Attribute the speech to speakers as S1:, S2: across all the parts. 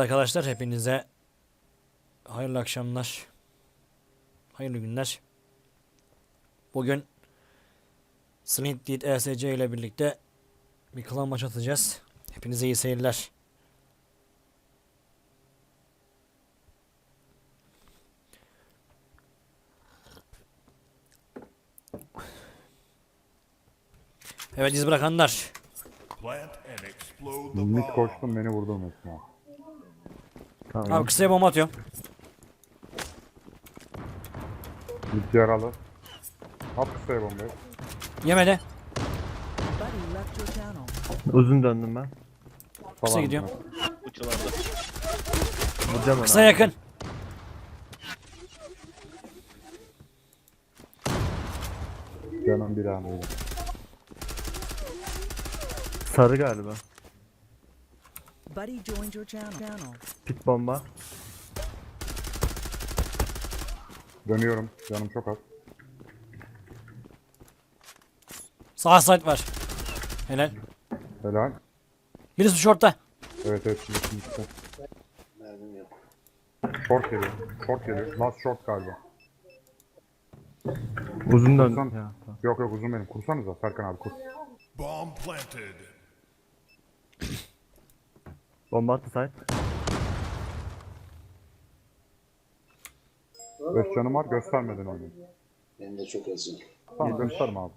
S1: arkadaşlar, hepinize hayırlı akşamlar, hayırlı günler. Bugün Slint ESC ile birlikte bir klan maç atacağız. Hepinize iyi seyirler. Evet, iz bırakanlar.
S2: Mid koştum, beni vurdu mesela.
S3: Tamam.
S1: Abi kısaya bomba atıyorum.
S2: Mid yaralı. At kısaya bombayı.
S1: Yemedi.
S3: Uzun döndüm ben.
S1: Kısa
S2: Falan
S1: gidiyorum.
S4: Uçularda.
S3: Vuracağım onu.
S1: Kısa yakın.
S2: Canım bir an öyle.
S3: Sarı galiba.
S5: Buddy joined your channel.
S3: Pit bomba.
S2: Dönüyorum. Canım çok az.
S1: Sağ side var. Helal.
S2: Helal.
S1: Birisi short'ta.
S2: Evet evet. Şimdi. Short geliyor. Short geliyor. Last short galiba.
S3: Uzun döndüm.
S2: Kursan.
S3: Ya, tamam.
S2: Yok yok uzun benim. Kursanıza Serkan abi kur.
S6: Bomb planted.
S3: Bomba attı site.
S2: 5 canım var, göstermeden oynayın.
S7: Benim de çok azım.
S2: Tamam gösterme abi.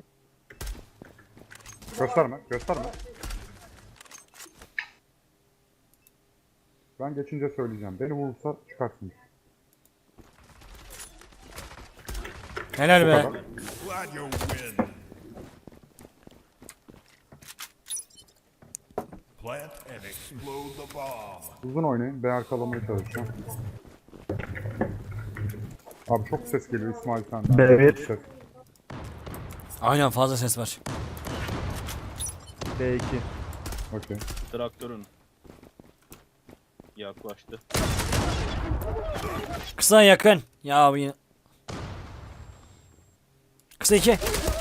S2: Gösterme, gösterme. Ben geçince söyleyeceğim. Beni vurursa çıkarsın.
S1: Helal
S2: Bu
S1: be.
S2: kadar.
S6: Glad you win. Plant and explode the bomb.
S2: Uzun oynayın. Ben arkalamaya çalışacağım. Abi çok ses geliyor İsmail senden.
S3: B1.
S2: Çok ses.
S1: Aynen, fazla ses var.
S3: B2.
S2: Okey.
S4: Traktörün. Yaklaştı.
S1: Kısa yakın. Ya abi. Kısa 2.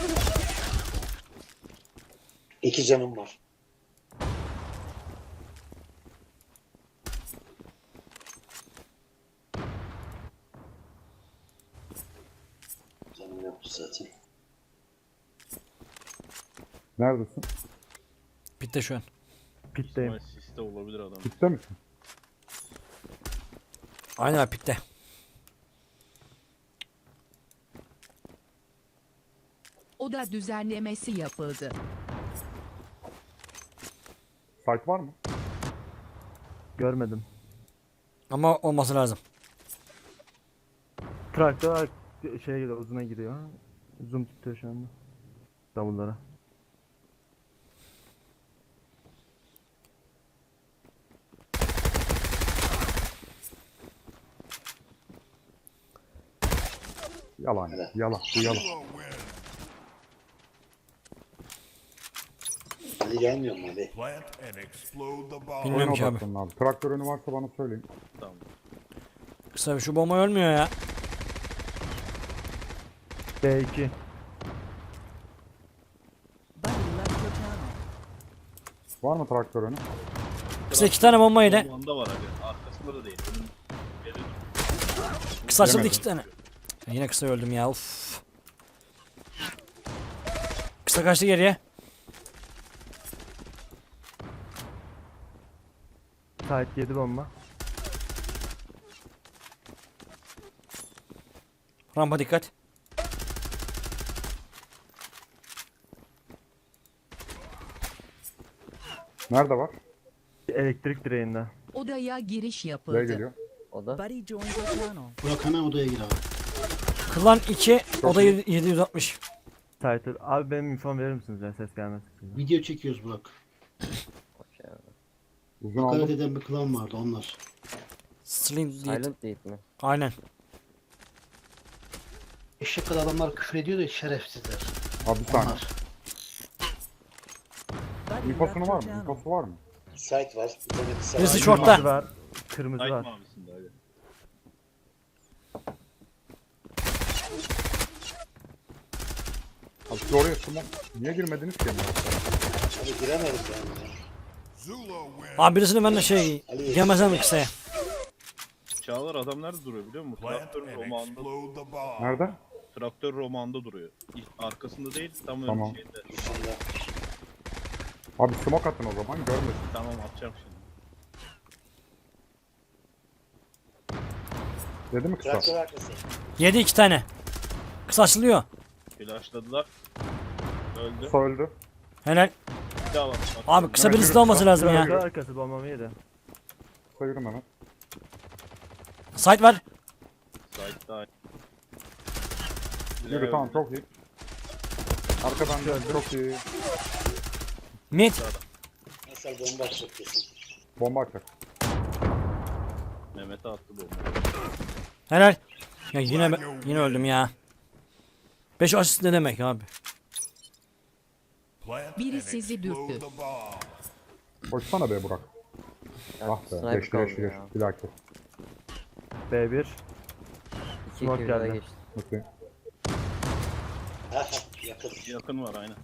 S7: 2 canım var. Canım yoktu zaten.
S2: Neredesin?
S1: Bitti şu an.
S3: Pitteyim.
S4: Ama siste olabilir adam.
S2: Gitti misin?
S1: Aynen abi, bitti.
S5: Oda düzenlemesi yapıldı.
S2: Site var mı?
S3: Görmedim.
S1: Ama olması lazım.
S3: Traktör şeye gidiyor, uzuna gidiyor. Zoom tutuyor şu anda. Davullara.
S2: Yalan. Yalan. Bu yalan.
S6: Zero win.
S7: Hadi gelmiyor mu hadi?
S6: Plant and explode the bomb.
S1: Bilmiyorum
S2: Oyuna
S1: ki abi.
S2: odaklanın abi. Traktör önü varsa bana söyleyin.
S4: Tamam.
S1: Kısa şu bomba ölmüyor ya.
S3: B2.
S5: Buddy left your channel.
S2: Var mı traktör önü?
S1: Kısa 2 tane bomba yedi.
S4: Onda var abi. Arkasında da değil. Önün geri dur.
S1: Kısa açıldı
S2: Yemedim.
S1: 2 tane. Yine kısa öldüm ya. Uf. Kısa kaçtı geriye.
S3: Site 7 bomba.
S1: Rampa dikkat.
S2: Nerede var?
S3: Elektrik direğinde.
S5: Odaya giriş
S2: B
S5: yapıldı.
S2: geliyor.
S5: Buddy joined your channel.
S7: Burak hemen odaya gir abi.
S1: Klan 2, oda 760.
S3: Site. Abi benim infom verir misiniz ya, ses gelmesin.
S7: Video çekiyoruz Burak.
S2: Uzun aldım.
S7: Karade'den bir klan vardı onlar.
S1: Slim değil.
S8: Silent değil mi?
S1: Aynen.
S7: Eşek kadar adamlar küfür ediyor da şerefsizler.
S2: Abi bir saniye.
S7: Onlar.
S5: Buddy
S2: İnfosunu
S5: left
S2: var
S5: your
S2: mı?
S5: channel.
S2: İnfosu var mı?
S7: Site var. Bir tane kısa
S1: Birisi
S7: var.
S1: short'ta.
S3: Kırmızı var. Kırmızı
S4: Light
S3: var.
S4: mavisinde abi.
S2: Abi siz oraya smoke. Niye girmediniz ki?
S7: Abi giremedim yani.
S6: Zula win.
S1: Abi birisini ben de şey gemezem kısaya.
S4: Çağlar adam nerede duruyor biliyor musun?
S6: Plant
S4: Traktör
S6: and
S4: romanda,
S6: explode the bomb.
S2: Nerede?
S4: traktör romanda duruyor. Arkasında değil, tam ön
S2: Tamam.
S4: şeyde.
S7: Dışında.
S2: Abi smoke atın o zaman görmesin.
S4: Tamam atacağım şimdi.
S2: Dedi mi kısa?
S7: Traktör arkası.
S1: Yedi 2 tane. Kısa açılıyor.
S4: Flashladılar. Öldü.
S2: Kısa öldü.
S1: Helal.
S4: Bir daha var.
S1: Abi kısa
S2: Mehmet
S1: birisi
S2: yürü,
S1: de olması
S2: kısa.
S1: lazım
S3: Traktör
S1: ya.
S3: arkası bombamı yedi.
S2: Kısa yürü Mehmet.
S1: Site var.
S4: Side'da.
S2: Yürü tamam çok iyi. Arkadan da çok iyi.
S1: Mid.
S7: Nasıl bomba atacak kesin.
S2: Bomba atacak.
S4: Mehmet'e attı bombayı.
S1: Helal. Ya yine öldüm ya. 5 asist ne demek abi?
S6: Plant
S5: Biri
S6: and
S5: sizi
S6: explode
S5: dürttü.
S6: the bomb.
S2: Koşsana be Burak.
S8: Ya,
S2: Ah be.
S8: sniper
S2: Geçti
S8: kaldı
S2: geçti
S8: ya.
S2: geçti. Bilaki.
S3: B1.
S8: 2
S3: Smoke
S8: 2 daha
S3: geldi.
S8: geçti.
S2: Okey.
S7: Ha yakın.
S4: Yakın var aynen.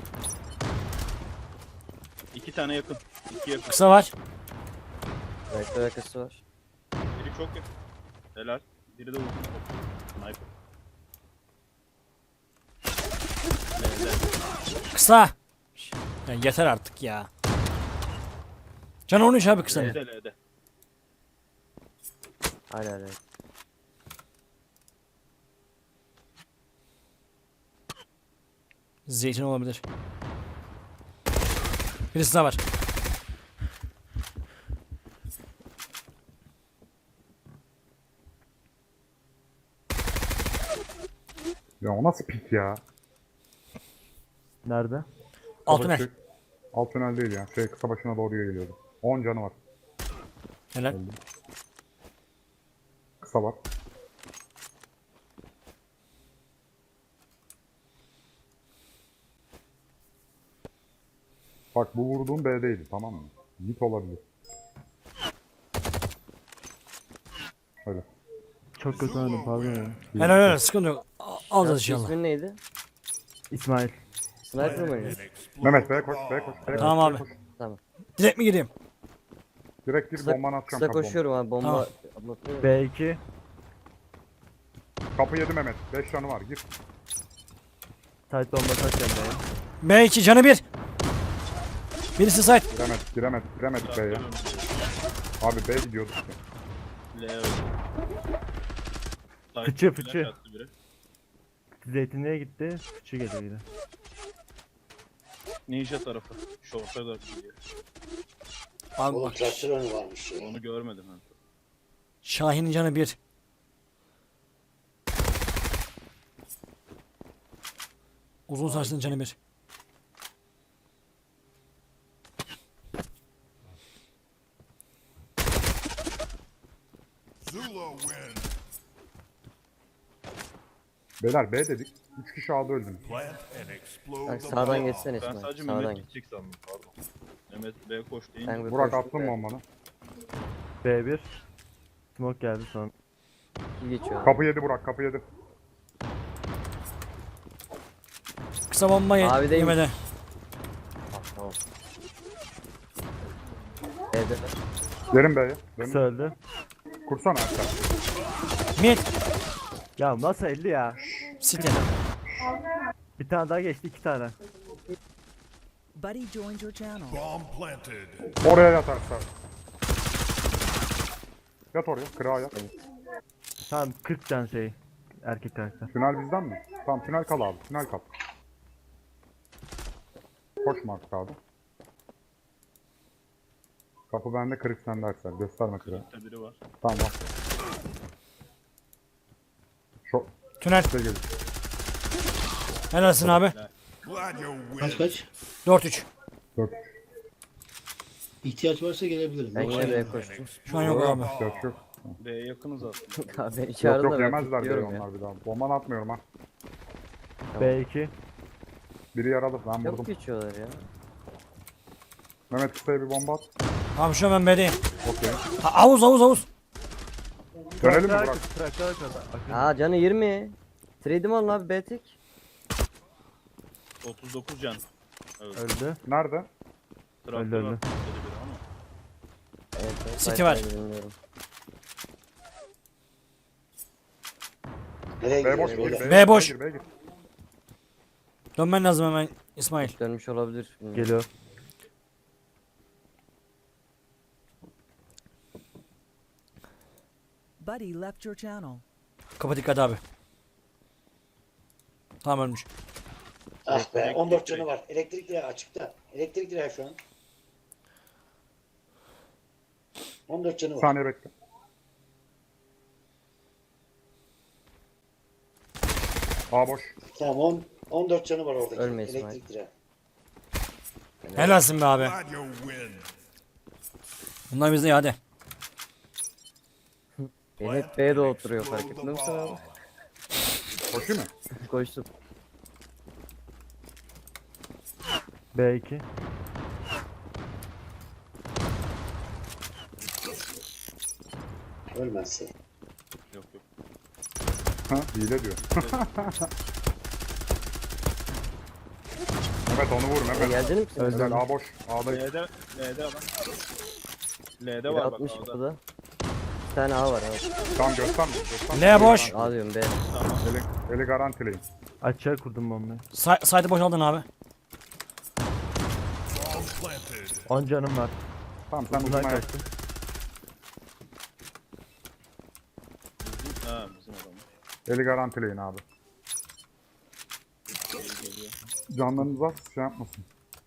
S4: 2 tane yakın. 2 yakın.
S1: Kısa var.
S8: Rektör arkası var.
S4: Biri çok yakın. Helal. Biri de uzun. Sniper.
S1: Kısa. Ya yeter artık ya. Can 13 abi kısa.
S4: L'de L'de.
S8: Hala hala.
S1: Zeytin olabilir. Birisi daha var.
S2: Ya o nasıl pik ya?
S3: Nerede?
S1: Alt
S2: Kısa
S1: tünel.
S2: başı- Alt tünel değil ya. Şey kısa başına doğru geliyordu. 10 canı var.
S1: Helal.
S2: Kısa var. Bak bu vurduğum B'deydi tamam mı? Git olabilir. Öyle.
S3: Çok kötü oynadım pardon ya.
S1: Helal helal sıkıntı yok. Alacağız inşallah.
S8: İsmin neydi?
S3: İsmail.
S8: Sniper mı oynuyor?
S2: Mehmet B'ye koş B'ye koş. B'ye
S1: Tamam
S2: koş,
S1: abi.
S2: B'ye koş.
S8: Tamam.
S1: Direkt mi gireyim?
S2: Direkt gir
S8: Kısa,
S2: bombanı atacağım
S8: kısa
S2: kapı.
S8: koşuyorum abi bomba.
S1: Tamam.
S8: Atlatıyorum.
S3: B2.
S2: Kapı yedi Mehmet. 5 canı var gir.
S3: Tight bomba taş geldi ya.
S1: B2 canı 1. Birisi site.
S2: Giremedik B'ye. Abi B gidiyorduk ya.
S4: L öldü. Side
S3: Fıçı,
S4: flash
S3: fıçı.
S4: attı biri.
S3: Zeytinliğe gitti. Fıçı geliyor yine.
S4: Ninja tarafı. Short'a da gidiyor.
S1: Abi
S7: Oğlum
S1: bak.
S7: traktör önü varmış ya.
S4: Onu görmedim ben.
S1: Şahin'in canı 1. Uzun saçlının canı 1.
S6: Zula win.
S2: Beyler B dedik. 3 kişi A'da öldünüz.
S6: Plant and explode
S8: Bak
S6: the
S8: sağdan
S6: bomb.
S8: geçsene
S4: Ben
S8: İsmail.
S4: sadece
S8: Sağdan
S4: Mehmet
S8: geç.
S4: gidecek sandım pardon. Mehmet B koş deyince.
S8: Ben bir
S2: Burak
S8: koştum
S2: attın
S8: da
S2: bombanı.
S3: B1. Smoke geldi son.
S8: iki geçiyor.
S2: Kapı yedi Burak kapı yedi.
S1: Kısa bomba
S8: Abi değil mi?
S1: yemedi.
S8: Tamam. Evde.
S2: Derin B'ye.
S3: Kısa öldü.
S2: Kursana aşağı.
S1: Mid.
S3: Ya nasıl 50 ya?
S1: City.
S3: Bir tane daha geçti 2 tane.
S5: Buddy joined your channel.
S6: Bomb planted.
S2: Oraya yat aşağı. Yat oraya. Kırağa yat.
S3: Tamam 40 can şey. Erkek karakter.
S2: Tünel bizden mi? Tamam tünel kal abi. Tünel kal. Koşma artık abi. Kapı bende kırık sende Aksel. Gösterme kırığı.
S4: Kırıkta biri var.
S2: Tamam bak. Şu
S1: Tünel.
S2: şey geliyor.
S1: Helalsin abi.
S6: Glad you
S7: Kaç
S6: win.
S7: kaç?
S1: 4-3.
S2: 4
S7: İhtiyaç varsa gelebilirim.
S8: Ben
S7: Yoksa
S8: yine B
S7: gelmem.
S8: koştum.
S1: Şu an yok abi.
S2: Yok yok.
S4: B'ye yakınız aslında.
S8: Abi beni
S2: Yok
S8: çağırdın
S2: yok
S8: da ben
S2: yemezler diye
S8: tutuyorum ya.
S2: onlar bir daha. Bombanı atmıyorum ha.
S3: B2.
S2: Biri yaralı ben
S8: Çok
S2: vurdum.
S8: geçiyorlar ya.
S2: Mehmet kısaya bir bomba at.
S1: Abi şu an ben B'deyim.
S2: Okey.
S1: Havuz.
S2: Dönelim mi
S3: Traktör
S2: Burak?
S3: arkası, traktör arkası. Akın.
S8: Aa canı 20. Trade'im alın abi B tek.
S4: 39 can. Evet.
S3: Öldü.
S2: Nerede?
S4: Traktör
S3: Öldü, öldü.
S4: var. Dedi biri.
S1: City var.
S8: Bilmiyorum.
S7: Nereye
S2: B boş.
S7: gidiyor? Beyler?
S1: B boş.
S2: B gir.
S1: Dönmen lazım hemen İsmail.
S8: Dönmüş olabilir. Bilmiyorum.
S3: Geliyor.
S5: Buddy left your channel.
S1: Kapa dikkat abi. Tamam ölmüş.
S7: Ah be,
S4: Elektrik
S7: 14
S4: direği.
S7: canı var. Elektrik direği açıkta. Elektrik direği şu an. 14 canı
S2: Bir
S7: var.
S2: saniye bekle. A boş.
S7: Tamam 14 canı var oradaki.
S8: Ölme İsmail.
S7: Elektrik direği.
S1: Helalsin be abi.
S6: Glad you win.
S1: Bunlar bizde ya hadi.
S8: Beni hep B'de oturuyor fark
S6: Explode
S8: ettin
S6: the
S8: mi sen abi?
S6: bomb.
S2: Koşuyor mu?
S8: Koştum.
S3: B2.
S7: Ölmezse.
S4: Yok yok.
S2: Ha, hile diyor. Mehmet onu vur Mehmet.
S8: Geldin mi sen?
S2: Güzel A boş. A'da
S4: L'de adam. L'de
S8: Biri
S4: var bak
S8: 60
S4: A'da.
S8: kapıda. Bir tane A var evet.
S2: tam gösterme. gösterme.
S1: L boş.
S8: A diyorum B.
S2: Eli garantileyin.
S3: Açığa kurdum bombayı.
S1: Site'ı boşaldın abi.
S6: Bomb planted.
S3: 10 canım var.
S2: Tamam sen
S3: Uzundan
S2: uzuna yap.
S3: kaçtım.
S4: Ha bizim adam.
S2: Eli garantileyin abi.
S4: Geliyor.
S2: Canlarınız az şey yapmasın.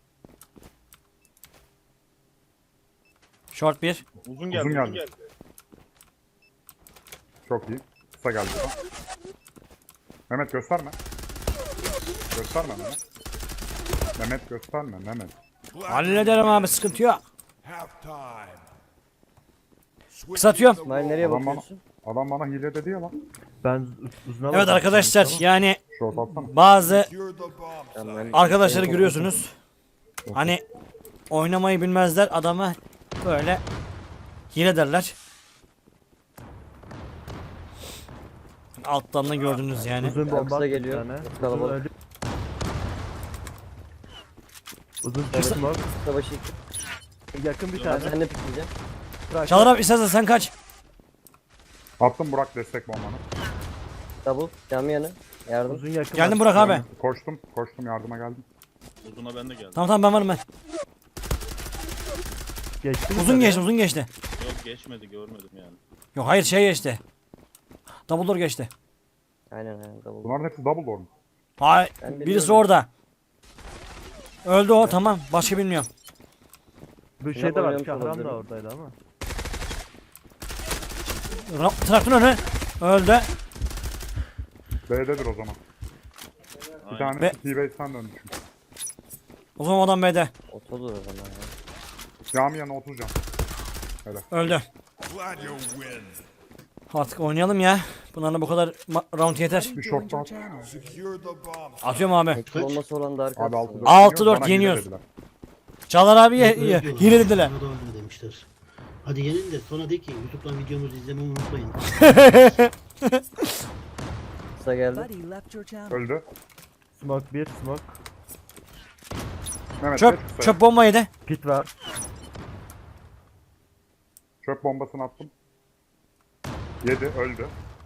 S1: Short 1.
S4: Uzun geldi.
S2: Uzun
S4: Uzun
S2: geldi.
S4: geldi.
S2: Çok iyi. Kısa geldi. bu da. Mehmet gösterme. Gösterme Mehmet. Mehmet gösterme Mehmet.
S6: Glad
S1: Hallederim abi sıkıntı yok.
S6: half time.
S1: Kısaltıyorum.
S8: İsmail nereye
S2: Adam bana,
S8: bakıyorsun?
S2: adam bana hile dedi ya lan.
S3: Ben uzuna
S1: Evet
S3: bakıyorum.
S1: arkadaşlar
S3: Tamam.
S1: yani
S2: Short atsana.
S1: bazı
S6: Secure the bomb
S8: Tamam,
S6: site.
S8: ben-
S1: arkadaşları
S8: ben-
S1: görüyorsunuz. Hani oynamayı bilmezler adama böyle hile derler. Alttan da gördünüz yani.
S3: Uzun
S8: Kısa
S3: bomba attı bir
S8: geliyor.
S3: tane.
S8: Çok
S3: Uzun
S8: kalabalık.
S3: öldü. Uzun smoke.
S8: Savaşı yıkıp.
S3: Yakın bir
S8: Ben
S3: tane.
S8: seninle pikleyeceğim.
S1: Çağlar abi istersen sen kaç.
S2: Attım Burak destek bombanı.
S8: Double. Cam yanı. Yardım.
S3: Uzun yakın.
S1: Geldim
S3: var.
S1: Burak abi.
S2: Koştum yardıma geldim.
S4: Uzuna ben de geldim.
S1: Tamam tamam ben varım ben.
S3: Geçti mi
S1: Uzun
S3: tabii?
S1: geçti uzun geçti.
S4: Yok geçmedi görmedim yani.
S1: Yok hayır şey geçti. Double door geçti.
S8: Aynen aynen double.
S2: Bunların hepsi double door mu?
S1: Hayır
S8: Ben
S1: birisi
S8: biliyorum.
S1: orada. Öldü o tamam başka bilmiyorum.
S3: Bu şey de var.
S8: oynamış
S3: Şahram da
S8: olabilirim.
S3: oradaydı ama.
S1: Traktör önü öldü.
S2: B'dedir o zaman. Bir
S4: Aynen.
S2: tane
S1: Ve-
S2: T-Base'den dönmüşüm.
S1: O zaman adam B'de.
S8: Otodur o zaman ya.
S2: Cami yanına 30 can.
S1: Öldü.
S6: Glad you win.
S1: Artık oynayalım ya. Bunlarla bu kadar round yeter.
S5: Buddy
S2: Bir
S5: joined
S2: short
S5: your
S2: daha.
S5: channel.
S6: Secure the bomb site.
S1: Atıyorum abi.
S8: Ekip olması olan da
S2: Abi
S8: arkadaşlar.
S2: 6-4
S1: 6-4
S2: bana hile
S1: yeniyoruz.
S2: dediler.
S1: Çağlar abi hile dediler.
S9: Bana da oyna demişler. Hadi gelin de sonra de ki YouTube'dan videomuzu izlemeyi unutmayın.
S8: Kısa geldi.
S5: Buddy left your channel.
S2: Öldü.
S3: Smoke 1 smoke.
S2: Mehmet
S1: Çöp
S2: geç kısaya.
S1: çöp bomba yedi.
S3: Pit var.
S2: Çöp bombasını attım. Yedi öldü.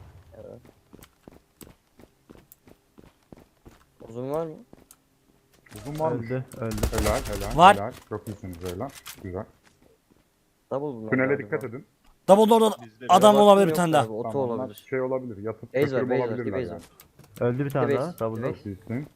S8: Uzun var mı?
S2: Uzun var mı?
S3: Öldü.
S2: Helal.
S1: Var.
S2: Helal. Çok iyisiniz helal. Güzel.
S8: Double bunlar.
S2: Tünele
S8: galiba.
S2: dikkat edin.
S1: Double door'da
S4: Bizde
S1: adam
S8: Baktım
S1: olabilir bir
S8: yok
S1: tane daha.
S8: abi, Oto
S2: Tamam, onlar
S8: olabilir.
S2: şey olabilir. Yatıp
S8: Base var,
S2: götürüp
S8: base var,
S2: olabilirler
S8: base
S2: yani.
S8: var.
S3: Öldü bir tane
S8: Evet,
S3: daha. Double
S8: evet.
S3: door.
S2: Çok iyisin.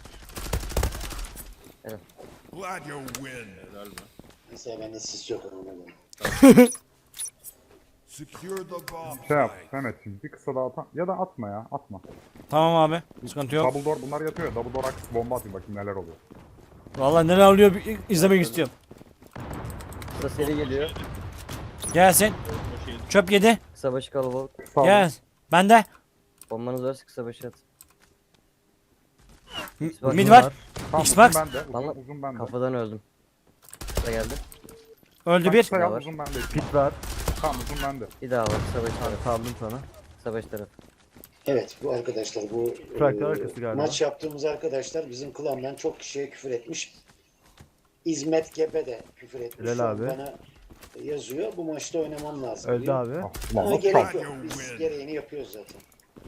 S6: Glad you win.
S4: Helal be.
S7: Mesela bende sis yok ona göre.
S6: Secure the bomb
S2: Şey yap
S6: site.
S2: Mehmetciğim bir kısa daha at. Ya da atma ya atma.
S1: Tamam abi. Sıkıntı yok.
S2: Double door bunlar yatıyor ya. Double door aktif bomba atayım bakayım neler oluyor.
S1: Vallahi neler oluyor izlemek istiyorum.
S8: Kısa seri geliyor.
S1: Gelsin.
S4: O şey
S1: Çöp yedi.
S8: Kısa başı kalabalık.
S2: Sağ olun.
S1: Gel. Bende.
S8: Bombanız varsa kısa başı at.
S1: Mid var.
S2: Tamam,
S1: Xbox.
S2: uzun bende.
S8: Bana-
S2: Uzun bende.
S8: Kafadan öldüm. Kısa geldi.
S1: Öldü
S2: Bak,
S1: bir.
S2: kısa yap,
S8: var.
S2: uzun bende.
S3: Pit var.
S2: Tamam uzun bende.
S8: Bir daha var kısa başı tarafı.
S3: Kaldım sana.
S8: Kısa başı tarafı.
S7: Evet bu arkadaşlar bu
S3: Traktör arkası galiba.
S7: maç yaptığımız arkadaşlar bizim klandan çok kişiye küfür etmiş. İzmet Gebe de küfür etmiş.
S3: Helal
S7: Şu an
S3: abi.
S7: Bana yazıyor. Bu maçta oynamam lazım
S3: Öldü
S7: diyor.
S3: abi.
S2: Ah,
S7: Ama
S2: ulan nasıl
S7: gerek
S2: kaldı?
S7: yok. Biz gereğini yapıyoruz zaten.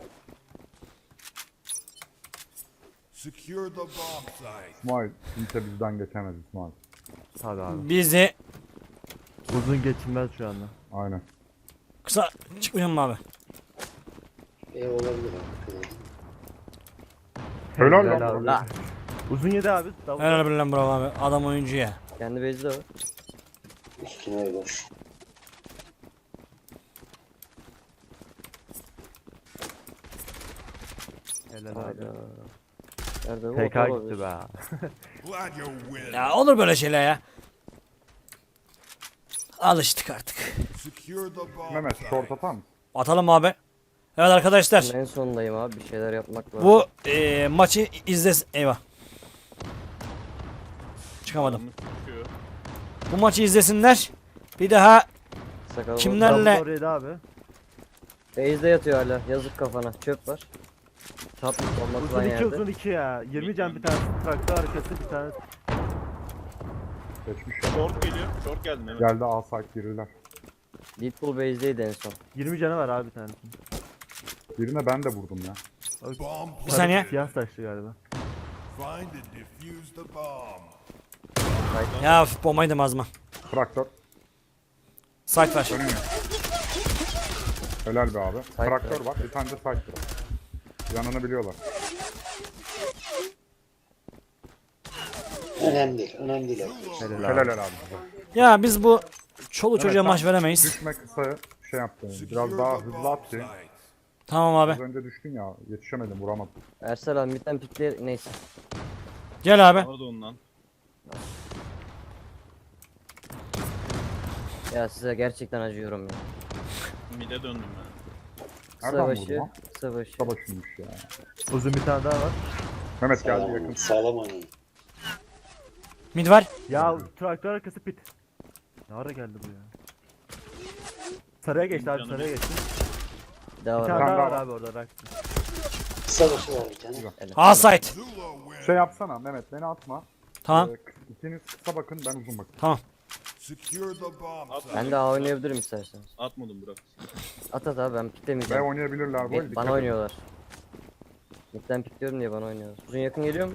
S6: Secure the bomb site.
S2: İsmail kimse bizden geçemez İsmail.
S3: Tabii abi.
S1: Bizi
S3: Uzun geçilmez şu anda.
S2: Aynen.
S1: kısa çıkmayacağım mı abi?
S7: Olabilir abi.
S2: Helal
S3: Helal
S2: lan.
S3: abi.
S8: La.
S3: Uzun yedi abi. Double.
S1: Helal bir lan bravo abi. Adam oyuncu ya.
S8: Kendi base'i de var.
S7: Üstüne boş.
S3: Helal abi.
S8: Hayda. Nerede bu?
S3: TK
S8: Otomobil.
S3: gitti be.
S6: Glad you win.
S1: Ya olur böyle şeyler ya. Alıştık artık.
S6: Secure the bomb
S2: Mehmet
S6: site.
S2: short atar mısın?
S1: Atalım abi. Evet arkadaşlar.
S8: Ben en sondayım abi. Bir şeyler yapmak var.
S1: Bu maçı izlesin. Eyvah. Çıkamadım.
S4: Adamı çıkıyor.
S1: Bu maçı izlesinler. Bir daha
S8: Sakalım.
S1: kimlerle
S3: Double yedi abi.
S8: Base'de yatıyor hala. Yazık kafana. Çöp var. Çatmış olmak
S3: Uzun
S8: lan
S3: 2
S8: yerde.
S3: uzun 2 ya. 20 can bir tanesi. Traktör arkası bir tane.
S2: Geçmiş ya.
S4: Short geliyor. Short geldi Mehmet.
S2: Geldi A site girdiler.
S8: Deadpool base'deydi en son.
S3: 20 canı var abi bir tanesi.
S2: Birine ben de vurdum ya.
S6: Bomb
S1: bir saniye.
S3: Siyah saçlı galiba.
S6: Find and defuse the bomb.
S1: ya bombaydım azma.
S2: Traktör.
S1: Site var.
S2: Önüm ya. Helal be abi.
S8: Site
S2: Traktör
S8: var.
S2: var. Bir tane de site var. Yanını biliyorlar.
S7: Önemli değil. Önemli değil arkadaşlar.
S3: Helal
S2: Helal
S3: abi.
S2: helal.
S1: Ya biz bu çoluk çocuğa
S2: Evet,
S1: maç
S2: sen
S1: veremeyiz.
S2: Düşme kısaya şey yaptın.
S6: Secure
S2: Biraz daha
S6: the
S2: hızlı
S6: bomb
S2: at ki.
S6: site.
S1: Tamam
S2: Az
S1: abi.
S2: önce düştün ya. Yetişemedim vuramadım.
S8: Ersel abi midden pikle neyse.
S1: Gel abi.
S4: Orada ondan.
S8: Ya size gerçekten acıyorum ya.
S4: Mid'e döndüm ben.
S8: Kısa
S2: Nereden
S8: başı.
S2: vurdun lan?
S8: Kısa başı.
S2: Kısa başıymış ya.
S3: Uzun bir tane daha var.
S2: Mehmet geldi
S7: Sağlam
S2: yakın.
S7: oynayın. Sağlam oynayın.
S1: Mid var.
S3: Ya traktör arkası pit. Ne ara geldi bu ya? Sarıya geçti abi
S4: Canım
S3: sarıya geçti.
S8: Bir daha
S3: Bir
S8: var
S3: tane
S8: abi.
S3: daha
S2: daha
S3: var
S2: var.
S3: abi orada rak.
S7: Kısa başı var bir tane.
S1: A site.
S6: Zula win.
S2: Şey yapsana Mehmet beni atma.
S1: Tamam.
S2: İkiniz kısa bakın ben uzun bakayım.
S1: Tamam.
S6: Secure the bomb site.
S8: Ben de A oynayabilirim isterseniz.
S4: Atmadım Burak.
S8: At at abi ben
S2: B
S8: piklemeyeceğim.
S2: oynayabilirler böyle.
S8: Bana oynuyorlar. Midden pikliyorum diye bana oynuyorlar. Uzun yakın geliyor mu?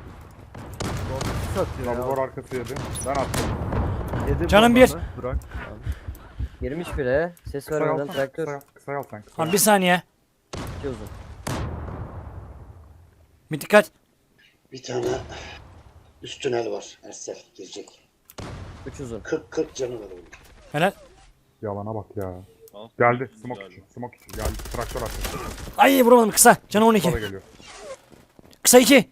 S3: Satıyor
S2: Double door
S3: ya.
S2: arkası yedi. Ben attım.
S3: Yedi
S1: Canım
S3: bombanı. Burak.
S8: Girmiş bile. Ses
S2: Kısa
S8: vermeden
S2: alsana.
S8: traktör.
S2: Kısa al sen. Kısa
S1: Tamam
S2: al.
S1: bir saniye.
S8: İki uzun.
S1: Bir dikkat.
S7: Bir tane üst tünel var. Ersel girecek.
S8: 3 uzun.
S7: 40 canı var onun.
S1: Helal.
S2: Yalana bak ya.
S4: Al.
S2: Geldi.
S4: Güzel
S2: Smoke
S4: abi.
S2: için. Smoke için. Geldi. Traktör arkası.
S1: Ay vuramadım kısa. Canı
S2: Kısa da
S1: 12.
S2: geliyor.
S1: Kısa 2.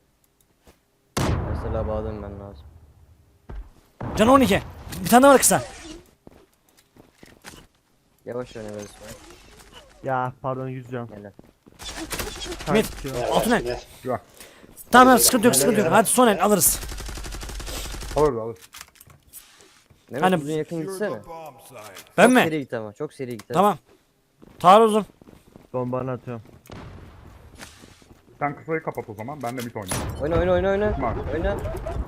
S8: Mesela bağladım ben lazım.
S1: Canı 12. Bir tane daha var kısa.
S8: Yavaş oynayalım.
S3: Ya pardon 100 can.
S8: Helal.
S1: Mid.
S7: Tünel
S1: Altı
S7: var,
S1: ne?
S7: tünel.
S2: Güzel.
S1: Tamam sıkıntı yok sıkıntı yok. Hadi son el alırız.
S2: Alır alır.
S8: Mehmet
S1: Hani-
S8: uzun yakın
S6: Secure
S8: gitsene.
S6: the bomb site.
S1: Ben
S8: Çok
S1: mi?
S8: seri git ama. Çok seri git.
S1: Tamam. Tarih uzun.
S3: Bombanı atıyorum.
S2: Sen kısayı kapat o zaman. Ben de mid oynayayım.
S8: Oyna oyna oyna oyna.
S2: Tamam.
S8: Oyna.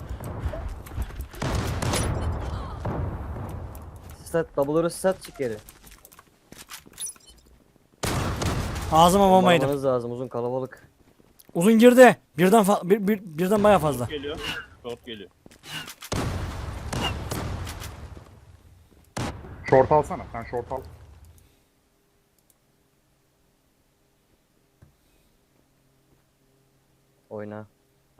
S8: Stat double'ları stat çık geri.
S1: Ağzıma bomba yedim.
S8: Bombamanız lazım uzun kalabalık.
S1: Uzun girdi. Birden baya fazla.
S4: Short geliyor. Short geliyor.
S2: Short alsana. Sen short al.
S8: Oyna.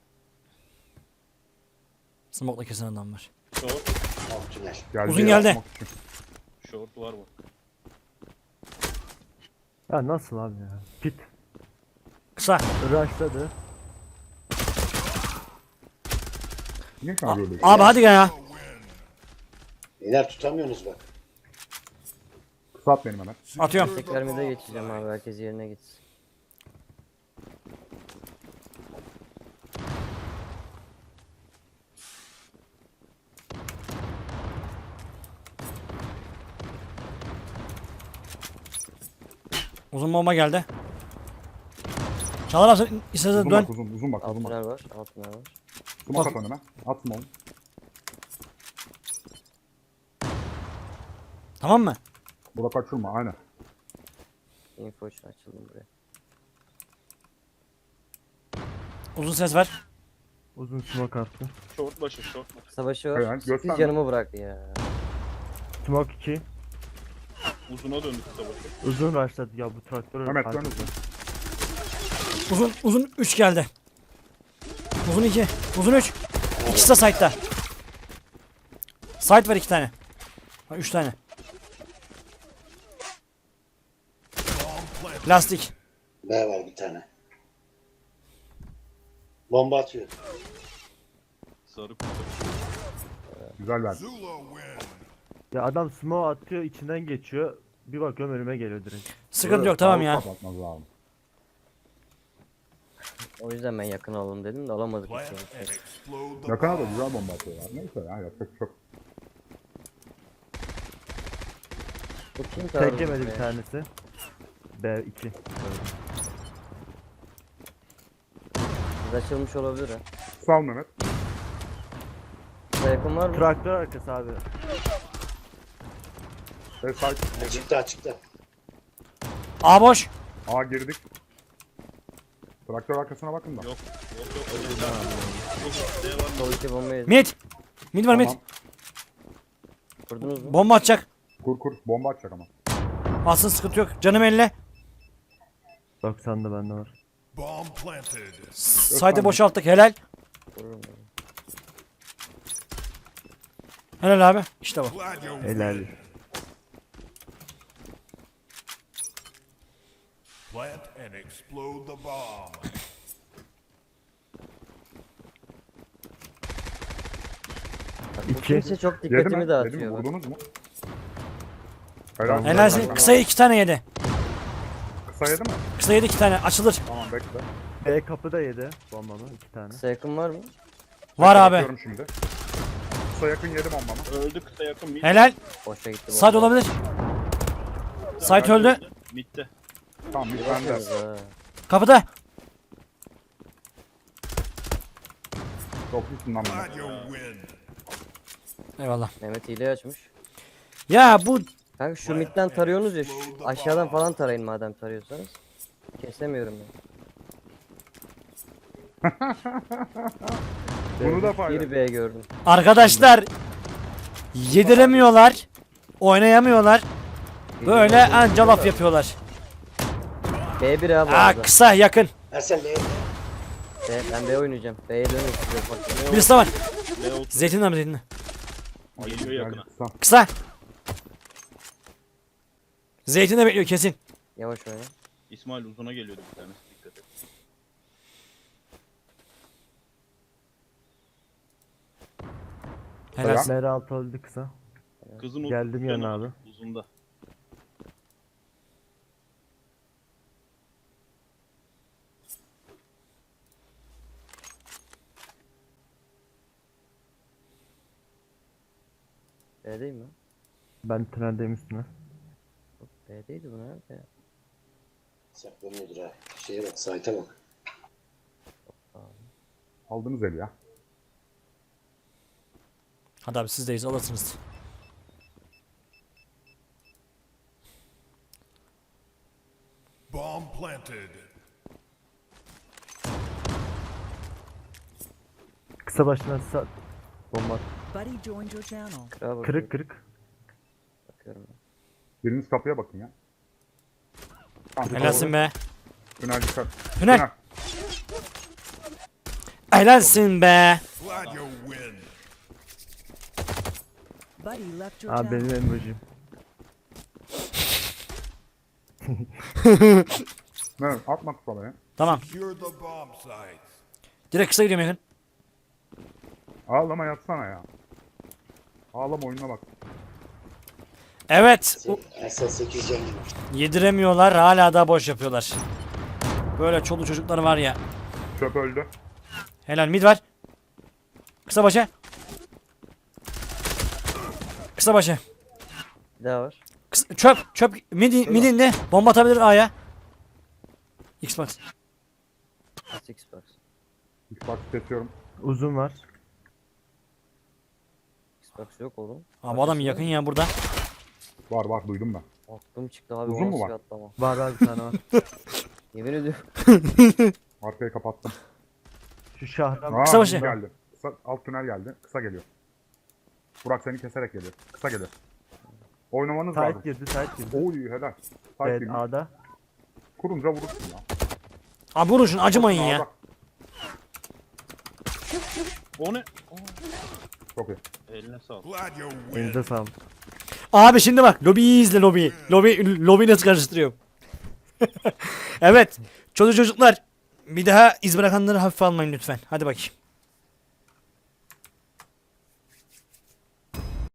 S1: Smoke'la kesen adam var.
S4: Short.
S7: Alt tünel.
S2: Geldi
S1: Uzun
S2: ya,
S1: geldi.
S2: smoke için.
S4: Short var bak.
S3: Ya nasıl abi ya? Pit.
S1: Kısa.
S3: Rushladı.
S2: Niye sen böyle?
S1: Abi hadi gel ya.
S7: Beyler tutamıyorsunuz bak.
S2: Kısa at benim hemen.
S1: Atıyorum.
S8: Tekrar mid'e geçeceğim abi. Herkes yerine gitsin.
S1: Uzun bomba geldi. Çağlar abi sen istersen
S2: Uzun
S1: dön.
S2: bak uzun. Uzun bak.
S8: Alt
S2: Uzun bak.
S8: tünel var. Alt tünel var.
S2: Smoke at önüme. At smoke.
S1: Tamam mı?
S2: Burada kaçırma aynen.
S8: Info için açıldım buraya.
S1: Uzun ses ver.
S3: Uzun smoke attı.
S4: Short başı, short başı.
S8: Savaşı
S2: Hayır,
S8: var.
S2: gösterme.
S8: 8 canımı bıraktı ya.
S3: Smoke 2.
S4: Uzuna döndü kısa başı.
S3: Uzun başladı ya bu traktör.
S2: Mehmet dön
S3: arkası.
S2: uzun.
S1: Uzun 3 geldi. Uzun 2. Uzun 3. İkisi de side'da. Side var 2 tane. 3 tane. Lastik.
S7: B var bir tane. Bomba atıyor.
S4: Sarı kutu.
S2: Güzel verdi.
S6: Zula win.
S3: Ya adam smoke atıyor içinden geçiyor. Bir bakıyorum önüme geliyor direkt.
S1: Sıkıntı yok tamam ya.
S2: Kapatmaz lazım.
S8: O yüzden ben yakın alalım dedim de alamadık.
S6: Plant
S8: hiç yani.
S6: and explode the
S2: Yakana da
S6: bomb.
S2: güzel bomba atıyorlar. Neyse ya yapacak çok.
S8: Bu kim taarruz
S3: Tek yemedi
S8: be?
S3: bir tanesi. B2.
S8: Biz açılmış olabilir ha.
S2: Sağ ol Mehmet.
S8: Kısa yakın var mı?
S3: Traktör arkası abi.
S2: Ve sağ
S7: Açıkta açıkta.
S1: A boş.
S2: A girdik. Traktör arkasına bakın da.
S4: Yok. Yok yok. D var.
S8: Sol iki bomba yedi.
S1: Mid. Mid var mid.
S2: Tamam.
S8: Kurdunuz mu?
S1: Bomba atacak.
S2: Kur bomba atacak ama.
S1: Aslında sıkıntı yok. Canım elle.
S3: 90'da bende var.
S6: Bomb planted.
S1: Side'ı boşalttık. Helal.
S8: Kururum ben.
S1: Helal abi. İşte bu.
S6: Glad you
S3: Helal.
S6: win. Plant and explode the bomb.
S8: Bak, bu
S3: 2.
S8: kimse çok
S2: Yedi mi?
S8: dikkatimi
S2: Yedi mi?
S8: dağıtıyor. bak.
S2: Vurdunuz mu? Helal.
S1: Helalsin. Kısa 2 tane yedi.
S2: Kısa yedi mi?
S1: Kısa yedi 2 tane. Açılır.
S2: Tamam bekle.
S3: B kapıda yedi bombamı 2 tane.
S8: Kısa yakın var mı?
S1: Var abi.
S2: Bakıyorum şimdi. Kısa yakın yedi bombamı.
S4: Öldü kısa yakın. Mid.
S1: Helal.
S8: Boşa gitti.
S1: Side
S8: bomba.
S1: olabilir. Side öldü.
S4: Mid'de.
S2: Tamam bir bende.
S8: Bakıyoruz ha.
S1: Kapıda.
S2: Çok iyisin lan Mehmet.
S6: Glad you win.
S1: Eyvallah.
S8: Mehmet hile açmış.
S1: Ya bu
S8: Kanka şu midden tarıyorsunuz ya aşağıdan falan tarayın madem tarıyorsanız. Kesemiyorum ben.
S2: Bunu da paylaş.
S8: Bir B gördüm.
S1: arkadaşlar yediremiyorlar. Oynayamıyorlar. Böyle anca laf yapıyorlar.
S8: B1 abi
S1: Aa,
S8: orada.
S1: kısa yakın.
S7: Ersel B'ye.
S8: Ben B oynayacağım. B'ye dönüyorum size bak.
S1: Birisi de var.
S4: B otur.
S1: Zeytinle mi zeytinle?
S4: Geliyor yakına.
S2: Kısa.
S1: Kısa. Zeytinle bekliyor kesin.
S8: Yavaş oyna.
S4: İsmail uzuna geliyordu bir tanesi. Dikkat et.
S1: Helal.
S3: M6 öldü kısa.
S4: Kızın
S3: Geldim
S4: uzun-
S3: yanına abi.
S4: Uzunda.
S8: B'deyim mi?
S3: Ben tüneldeyim üstüne.
S8: B'deydi bu nerede ya?
S7: Saklanıyordur ha. Şeye bak, site'e bak.
S2: Aldınız eli ya.
S1: Hadi abi sizdeyiz alırsınız.
S6: Bomb planted.
S3: Kısa başına bomba.
S5: Buddy joined your channel.
S8: Kırağa bakıyorum.
S3: Kırık kırık.
S8: Bakıyorum ben.
S2: Biriniz kapıya bakın ya. Tamam,
S1: Helalsin be.
S2: Tünel dikkat.
S1: Tünel. Helalsin be.
S6: Glad you win.
S5: Buddy left your
S3: Abi
S5: channel.
S3: benim emojim.
S2: Mehmet atma kısa ya.
S1: Tamam.
S6: Secure the bomb sites.
S1: Direkt kısa gidiyorum yakın.
S2: Ağlama yatsana ya. Ağlama oyununa bak.
S1: Evet.
S7: Ersel 8 can gibi.
S1: Yediremiyorlar. Hala da boş yapıyorlar. Böyle çoluk çocukları var ya.
S2: Çöp öldü.
S1: Helal mid var. Kısa başı. Kısa başı.
S8: Bir daha var.
S1: Çöp midinde bomba atabilir A'ya. Xbox.
S8: Xbox.
S2: Xbox kesiyorum.
S3: Uzun var.
S8: Xbox yok oğlum.
S1: Abi adam yakın ya burada.
S2: Var duydum ben.
S8: Aklım çıktı abi.
S2: Uzun
S8: o
S2: mu
S8: nasıl
S2: var?
S8: bir atlama.
S3: Var bir tane var.
S8: Yemin ediyorum.
S2: Arkayı kapattım.
S3: Şu şahran.
S2: Aa,
S1: Kısa başı.
S2: geldi. Kısa, alt tünel geldi. Kısa geliyor. Burak seni keserek geliyor. Kısa geliyor. Oynamanız
S3: Tight
S2: lazım.
S3: girdi, tight girdi.
S2: Oy helal. Tight
S3: Evet
S2: girmiş.
S3: A'da.
S2: Kurunca vurursun ya.
S1: Abi vurun şunu acımayın ya.
S2: Ağda.
S4: O ne?
S2: Çok iyi.
S4: Eline sağlık.
S6: Glad you win.
S3: Elinize sağlık.
S1: Abi şimdi bak lobiyi izle lobiyi. Lobiyi nasıl karıştırıyorum. Evet. Çocuklar bir daha iz bırakanları hafife almayın lütfen. Hadi bakayım.